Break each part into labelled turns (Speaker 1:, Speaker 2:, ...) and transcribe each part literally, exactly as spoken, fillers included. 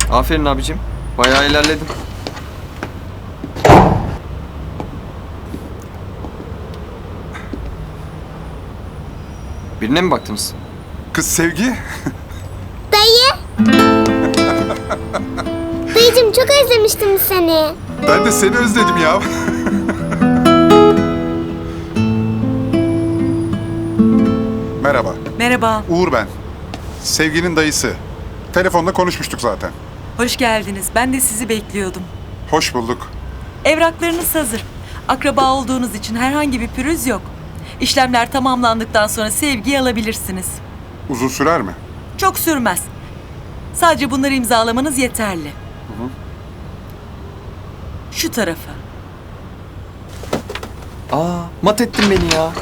Speaker 1: Aferin abicim. Bayağı ilerledim. Birine mi baktınız?
Speaker 2: Kız Sevgi.
Speaker 3: Dayı. Dayıcım çok özlemiştim seni.
Speaker 2: Ben de seni özledim ya. Merhaba.
Speaker 4: Merhaba,
Speaker 2: Uğur ben. Sevgi'nin dayısı. Telefonda konuşmuştuk zaten.
Speaker 4: hoş geldiniz. Ben de sizi bekliyordum.
Speaker 2: Hoş bulduk.
Speaker 4: Evraklarınız hazır. Akraba olduğunuz için herhangi bir pürüz yok. İşlemler tamamlandıktan sonra sevgiyi alabilirsiniz.
Speaker 2: Uzun sürer mi?
Speaker 4: Çok sürmez. Sadece bunları imzalamanız yeterli. Şu tarafa.
Speaker 1: Aa, mat ettin beni ya.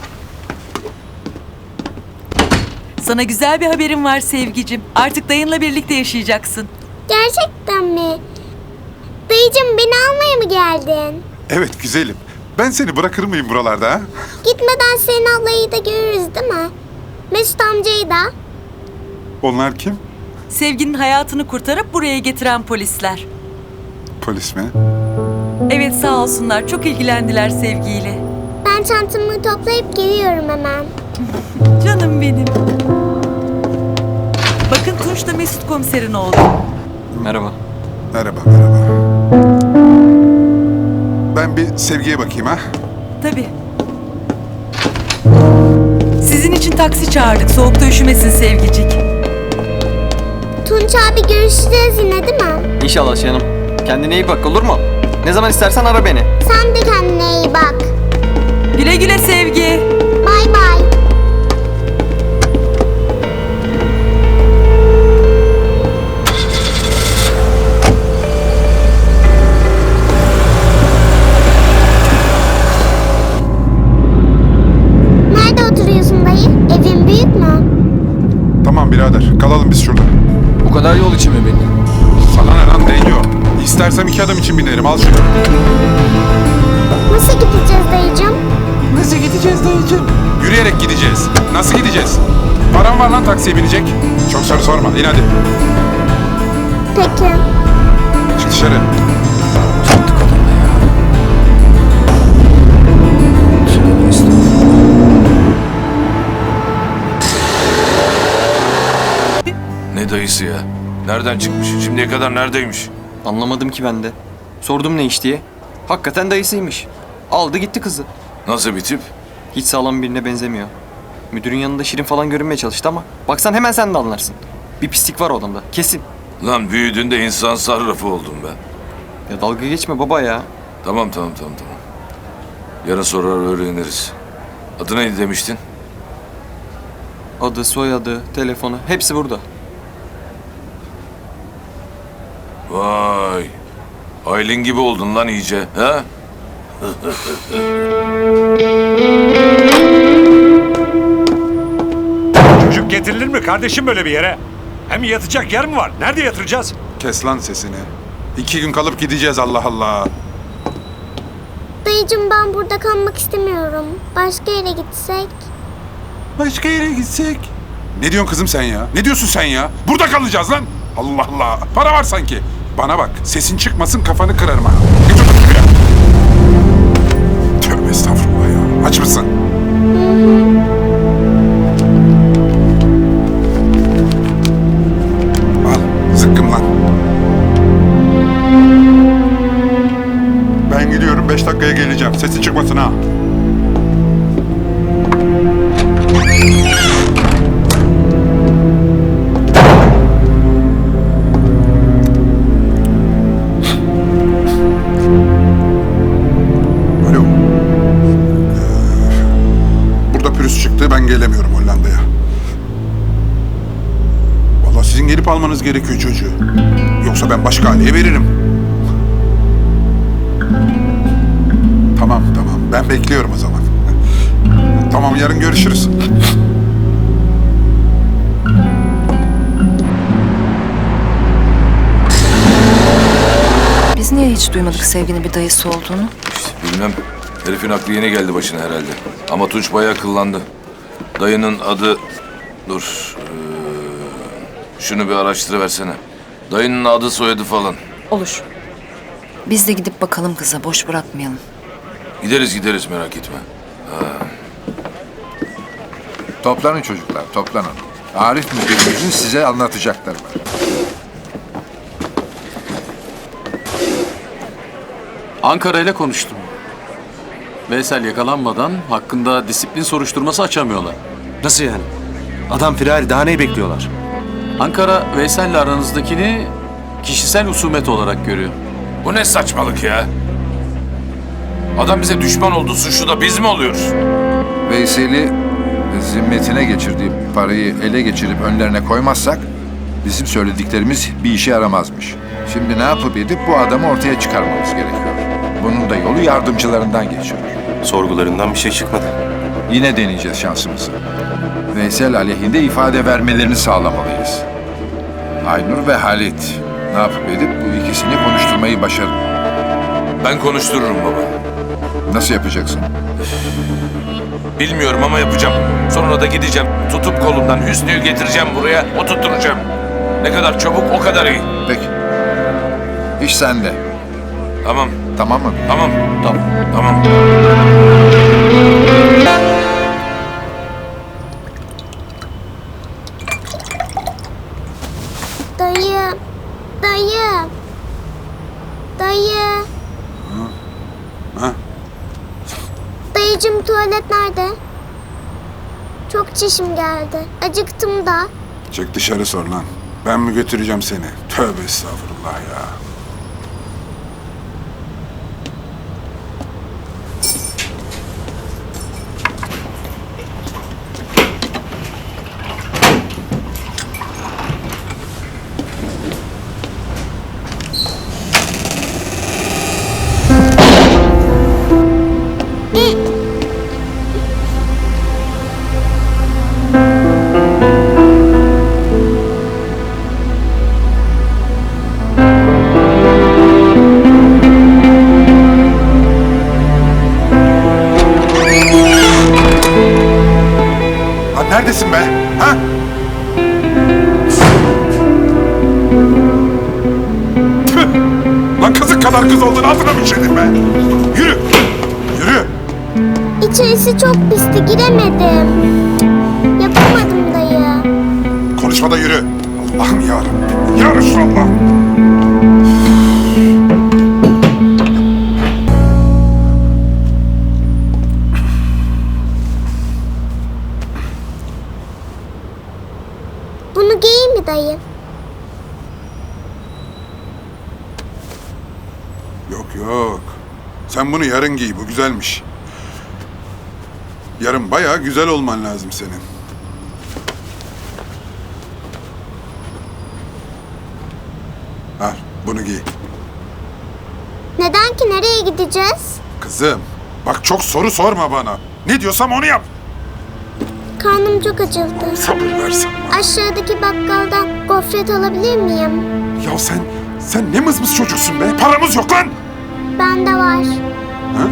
Speaker 4: Sana güzel bir haberim var Sevgicim. Artık dayınla birlikte yaşayacaksın.
Speaker 3: Gerçekten mi? Dayıcım beni almaya mı geldin?
Speaker 2: Evet güzelim. Ben seni bırakır mıyım buralarda ha?
Speaker 3: Gitmeden senin ablayı da görürüz değil mi? Mesut amcayı da.
Speaker 2: Onlar kim?
Speaker 4: Sevginin hayatını kurtarıp buraya getiren polisler.
Speaker 2: Polis mi?
Speaker 4: Evet sağ olsunlar. Çok ilgilendiler Sevgiyle.
Speaker 3: Ben çantamı toplayıp geliyorum hemen.
Speaker 4: Canım benim. Bakın Tunç da Mesut komiserin oğlu.
Speaker 1: Merhaba.
Speaker 2: Merhaba, merhaba. Ben bir Sevgi'ye bakayım ha.
Speaker 4: Tabii. Sizin için taksi çağırdık. Soğukta üşümesin Sevgicik.
Speaker 3: Tunç abi görüşeceğiz yine değil mi?
Speaker 1: İnşallah canım. Kendine iyi bak, olur mu? Ne zaman istersen ara beni.
Speaker 3: Sen de kendine iyi bak.
Speaker 4: Güle güle Sevgi.
Speaker 3: Bay bay. Nerede oturuyorsun dayı? Evin büyük mü?
Speaker 2: Tamam birader, kalalım biz şurada.
Speaker 1: Bu kadar yol için mi beni?
Speaker 2: Sana ne lan değiyor? İstersem iki adam için binerim, al şunu.
Speaker 3: Nasıl gideceğiz dayıcım?
Speaker 2: Nasıl gideceğiz dayıcım? Yürüyerek gideceğiz. Nasıl gideceğiz? Param var lan taksiye binecek. Çok soru sorma, in hadi.
Speaker 3: Peki.
Speaker 2: Çık dışarı.
Speaker 5: Ne dayısı ya? Nereden çıkmış? Şimdiye kadar neredeymiş?
Speaker 1: Anlamadım ki ben de. Sordum ne iş diye. Hakikaten dayısıymış. Aldı gitti kızı.
Speaker 5: Nasıl bir tip?
Speaker 1: Hiç sağlam birine benzemiyor. Müdürün yanında şirin falan görünmeye çalıştı ama baksan hemen sen de anlarsın. Bir pislik var o adamda, kesin.
Speaker 5: Lan büyüdüğünde insan sarrafı oldum ben.
Speaker 1: Ya dalga geçme baba ya.
Speaker 5: Tamam tamam tamam tamam. Yarın sorar öğreniriz. Adı neydi demiştin?
Speaker 1: Adı, soyadı, telefonu hepsi burada.
Speaker 5: Vay. Aylin gibi oldun lan iyice. Ha?
Speaker 6: Çocuk getirilir mi kardeşim böyle bir yere? Hem yatacak yer mi var? Nerede yatıracağız?
Speaker 2: Kes lan sesini. İki gün kalıp gideceğiz, Allah Allah.
Speaker 3: Dayıcım ben burada kalmak istemiyorum. Başka yere gitsek.
Speaker 2: Başka yere gitsek. Ne diyorsun kızım sen ya? Ne diyorsun sen ya? Burada kalacağız lan. Allah Allah. Para var sanki. Bana bak. Sesin çıkmasın, kafanı kırarım ha. Geç otur şuraya. Tövbe estağfurullah ya. Aç mısın? Al. Zıkkım lan. Ben gidiyorum. Beş dakikaya geleceğim. Sesin çıkmasın ha. Alo. Ee, burada pürüz çıktı. Ben gelemiyorum Hollanda'ya. Vallahi sizin gelip almanız gerekiyor çocuğu. Yoksa ben başka aileye veririm. Tamam tamam. Ben bekliyorum o zaman. Tamam, yarın görüşürüz.
Speaker 7: Biz niye hiç duymadık sevginin bir dayısı olduğunu?
Speaker 5: Bilmem. Herifin aklı yeni geldi başına herhalde. Ama Tunç bayağı kıllandı. Dayının adı... Dur. Ee, şunu bir araştırıversene. Dayının adı soyadı falan.
Speaker 7: Olur. Biz de gidip bakalım kıza, boş bırakmayalım.
Speaker 5: Gideriz gideriz merak etme.
Speaker 8: Toplanın çocuklar, toplanın. Arif müdürümüzün size anlatacakları var.
Speaker 9: Ankara ile konuştum. Veysel yakalanmadan hakkında disiplin soruşturması açamıyorlar.
Speaker 10: Nasıl yani? Adam firari, daha neyi bekliyorlar?
Speaker 9: Ankara, Veysel'le aranızdakini kişisel husumet olarak görüyor.
Speaker 5: Bu ne saçmalık ya? Adam bize düşman oldu, suçlu da biz mi oluyoruz?
Speaker 8: Veysel'i zimmetine geçirdiği parayı ele geçirip önlerine koymazsak bizim söylediklerimiz bir işe yaramazmış. Şimdi ne yapıp edip bu adamı ortaya çıkarmamız gerekiyor. Bunun da yolu yardımcılarından geçiyor.
Speaker 10: Sorgularından bir şey çıkmadı.
Speaker 8: Yine deneyeceğiz şansımızı. Veysel aleyhinde ifade vermelerini sağlamalıyız. Aynur ve Halit ne yapıp edip bu ikisini konuşturmayı başarın.
Speaker 5: Ben konuştururum baba.
Speaker 8: Nasıl yapacaksın?
Speaker 5: Bilmiyorum ama yapacağım. Sonra da gideceğim. Tutup kolundan Hüsnü'yü getireceğim buraya, oturtturacağım. Ne kadar çabuk o kadar iyi.
Speaker 8: Peki. İş sende.
Speaker 5: Tamam,
Speaker 8: Tamam mı?
Speaker 5: tamam, tamam, tamam.
Speaker 3: Dayı. Dayı. Dayı.
Speaker 2: Ha?
Speaker 3: Dayıcım tuvalet nerede? Çok çişim geldi. Acıktım da.
Speaker 2: Çık dışarı sor lan. Ben mi götüreceğim seni? Tövbe estağfurullah ya. Lan neredesin be? Ha? Tüh! Lan kızık kadar kız oldun altına mı işedin be? Yürü! Yürü!
Speaker 3: İçerisi çok pisti, giremedim. Yapamadım dayı.
Speaker 2: Konuşma da yürü. Allah'ım yarabbim. Ya Resulallah.
Speaker 3: Bunu giyeyim mi dayı?
Speaker 2: Yok yok. Sen bunu yarın giy. Bu güzelmiş. Yarın bayağı güzel olman lazım senin. Al bunu giy.
Speaker 3: Neden ki, nereye gideceğiz?
Speaker 2: Kızım bak çok soru sorma bana. Ne diyorsam onu yap.
Speaker 3: Karnım çok acıktı.
Speaker 2: Sabır versin.
Speaker 3: Aşağıdaki bakkaldan gofret alabilir miyim?
Speaker 2: Ya sen, sen ne mızmız çocuksun be? Paramız yok lan.
Speaker 3: Bende var.
Speaker 2: Ha?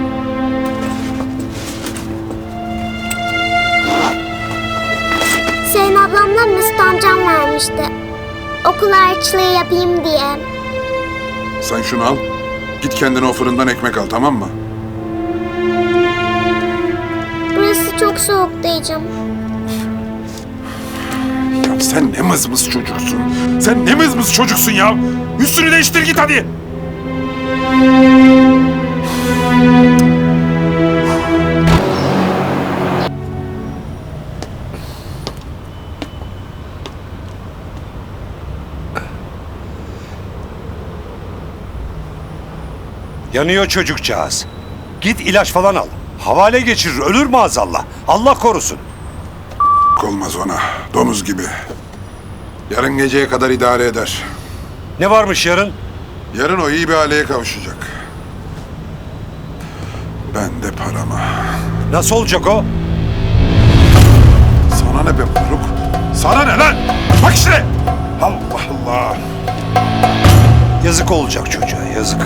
Speaker 3: Senin ablamla Mesut amcam vermişti. Okul harçlığı yapayım diye.
Speaker 2: Sen şunu al. Git kendine o fırından ekmek al, tamam mı?
Speaker 3: Burası çok soğuk dayıcım.
Speaker 2: Ya sen ne mızmız çocuksun. Sen ne mızmız çocuksun ya. Üstünü değiştir git hadi.
Speaker 6: Yanıyor çocukcağız. Git ilaç falan al. Havale geçirir, ölür maazallah. Allah korusun.
Speaker 2: Olmaz ona. Domuz gibi. Yarın geceye kadar idare eder.
Speaker 6: Ne varmış yarın?
Speaker 2: Yarın o iyi bir aileye kavuşacak. Ben de parama.
Speaker 6: Nasıl olacak o?
Speaker 2: Sana ne be moruk? Sana ne lan? Bak işte. Allah Allah.
Speaker 6: Yazık olacak çocuğa, yazık.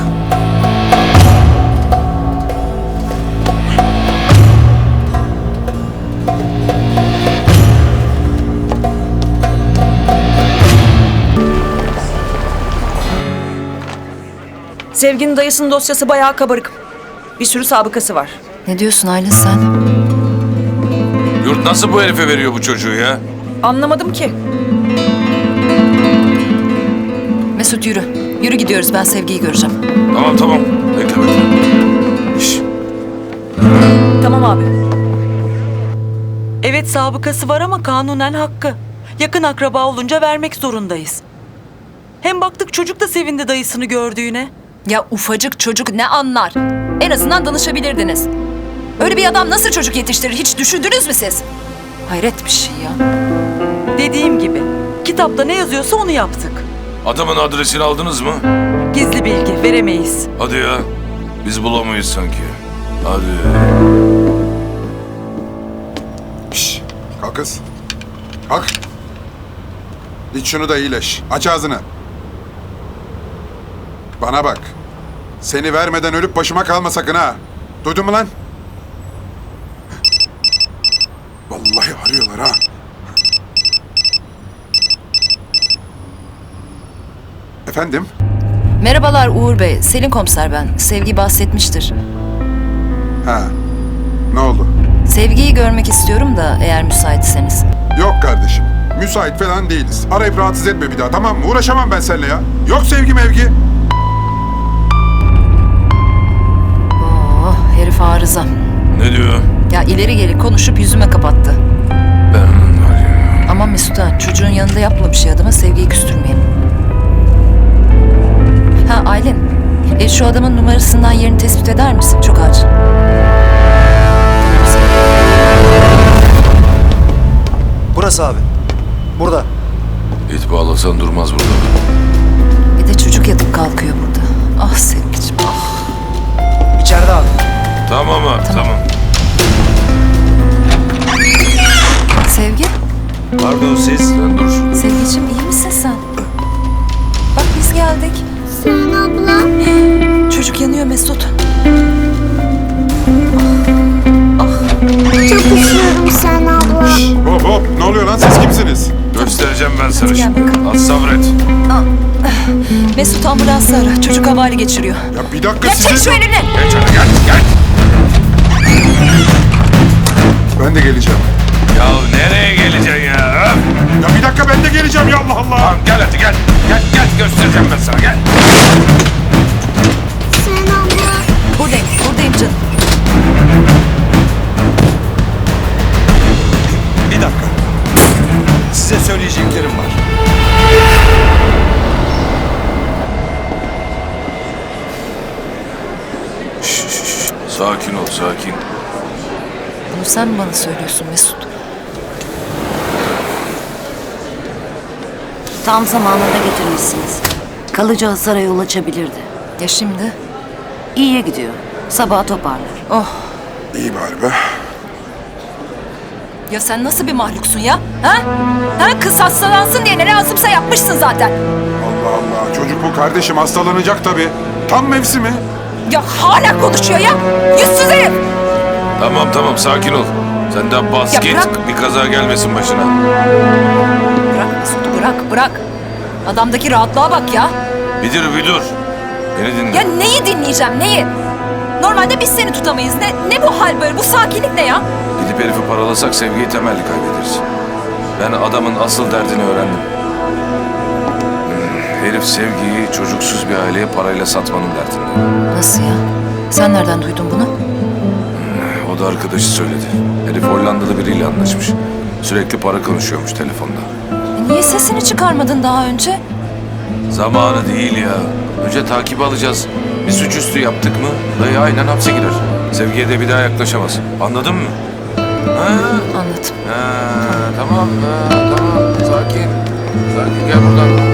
Speaker 11: Sevginin dayısının dosyası bayağı kabarık. Bir sürü sabıkası var.
Speaker 7: Ne diyorsun Aylin sen?
Speaker 5: Yurt nasıl bu herife veriyor bu çocuğu ya?
Speaker 11: Anlamadım ki.
Speaker 7: Mesut yürü. Yürü gidiyoruz, ben Sevgi'yi göreceğim.
Speaker 5: Tamam tamam. Bekle bekle. Şş,
Speaker 11: Tamam abi.
Speaker 4: Evet sabıkası var ama kanunen hakkı. Yakın akraba olunca vermek zorundayız. Hem baktık çocuk da sevindi dayısını gördüğüne.
Speaker 7: Ya ufacık çocuk ne anlar? En azından danışabilirdiniz. Öyle bir adam nasıl çocuk yetiştirir hiç düşündünüz mü siz? Hayret bir şey ya.
Speaker 4: Dediğim gibi kitapta ne yazıyorsa onu yaptık.
Speaker 5: adamın adresini aldınız mı?
Speaker 4: Gizli bilgi veremeyiz.
Speaker 5: Hadi ya. Biz bulamayız sanki. Hadi.
Speaker 2: Şşş. Kalk kız. Kalk. İç şunu da iyileş. Aç ağzını. Bana bak. Seni vermeden ölüp başıma kalma sakın ha. Duydun mu lan? Vallahi arıyorlar ha. Efendim?
Speaker 7: Merhabalar Uğur Bey, Selin komiser ben. Sevgi bahsetmiştir.
Speaker 2: Ha. Ne oldu?
Speaker 7: Sevgiyi görmek istiyorum da eğer müsaitseniz.
Speaker 2: Yok kardeşim. Müsait falan değiliz. Arayıp rahatsız etme bir daha, tamam mı? Uğraşamam ben seninle ya. Yok sevgi mevgi.
Speaker 7: Oh, herif arıza.
Speaker 5: Ne diyor?
Speaker 7: Ya ileri geri konuşup yüzüme kapattı.
Speaker 5: Ben var ya.
Speaker 7: Aman Mesut ha, çocuğun yanında yapma bir şey adama, Sevgi'yi küstürmeyelim. Ha Aylin, e, şu adamın numarasından yerini tespit eder misin? Çok acil.
Speaker 10: Burası abi. Burada.
Speaker 5: İt bağlasan durmaz burada.
Speaker 7: Bir de çocuk yatıp kalkıyor burada. Ah Sevgi'cim ah.
Speaker 10: İçeride abi.
Speaker 5: Tamam abi tamam.
Speaker 7: Sevgi,
Speaker 10: Pardon siz.
Speaker 5: Sen dur.
Speaker 7: Sevgi'cim iyi misin sen? Bak biz geldik.
Speaker 3: Sen abla.
Speaker 7: Çocuk yanıyor Mesut.
Speaker 3: Çok üşüyorum sen abla.
Speaker 2: Hop hop. Ne oluyor lan? Siz kimsiniz?
Speaker 5: Göstereceğim ben sana
Speaker 7: Hadi gel
Speaker 5: şimdi.
Speaker 7: bakalım.
Speaker 5: Az sabret.
Speaker 7: Mesut ambulansı ara. Çocuk havale geçiriyor.
Speaker 2: Ya bir dakika
Speaker 7: Ya
Speaker 2: size...
Speaker 7: çek şu elini.
Speaker 5: Geç hadi gel gel.
Speaker 2: Ben de geleceğim.
Speaker 5: Ya nereye geleceksin ya? Öf!
Speaker 2: Ya bir dakika ben de geleceğim ya Allah Allah.
Speaker 5: Tamam gel hadi gel. Gel gel göstereceğim ben sana gel.
Speaker 3: Sen abla.
Speaker 7: Buradayım, buradayım canım.
Speaker 6: Bir dakika. Size söyleyeceklerim var.
Speaker 5: Şş, şş, şş. Sakin ol sakin.
Speaker 7: Bunu sen mi bana söylüyorsun Mesut?
Speaker 12: Tam zamanında getirmişsiniz. Kalıcı hasara yol açabilirdi.
Speaker 7: Ya şimdi?
Speaker 12: İyiye gidiyor. Sabaha toparlar.
Speaker 7: Oh.
Speaker 2: İyi bari be.
Speaker 7: Ya sen nasıl bir mahluksun ya? Ha? Ha? Kız hastalansın diye ne lazımsa yapmışsın zaten.
Speaker 2: Allah Allah. Çocuk bu kardeşim hastalanacak tabii. Tam mevsimi.
Speaker 7: Ya hala konuşuyor ya. Yüzsüz herif.
Speaker 5: Tamam tamam sakin ol. Sen de bas
Speaker 7: Ya
Speaker 5: git.
Speaker 7: bırak.
Speaker 5: Bir kaza gelmesin başına.
Speaker 7: Bırak Mesut, bırak, bırak. Adamdaki rahatlığa bak ya.
Speaker 5: Bir dur bir dur. Beni dinle.
Speaker 7: Ya neyi dinleyeceğim, neyi? Normalde biz seni tutamayız. Ne, ne bu hal böyle? Bu sakinlik ne ya?
Speaker 5: Gidip herifi paralasak Sevgi'yi temelli kaybederiz. Ben adamın asıl derdini öğrendim. Hmm, Herif Sevgi'yi çocuksuz bir aileye parayla satmanın derdinde.
Speaker 7: Nasıl ya? Sen nereden duydun bunu?
Speaker 5: O da arkadaşı söyledi. Herif Hollandalı biriyle anlaşmış. Sürekli para konuşuyormuş telefonda.
Speaker 7: E niye sesini çıkarmadın daha önce?
Speaker 5: Zamanı değil ya. Önce takip alacağız. Bir suçüstü yaptık mı dayı aynen hapse girer. Sevgiye de bir daha yaklaşamaz. Anladın mı? Ha?
Speaker 7: Anladım.
Speaker 5: Ha, tamam, ha, tamam. Sakin. Sakin gel buradan.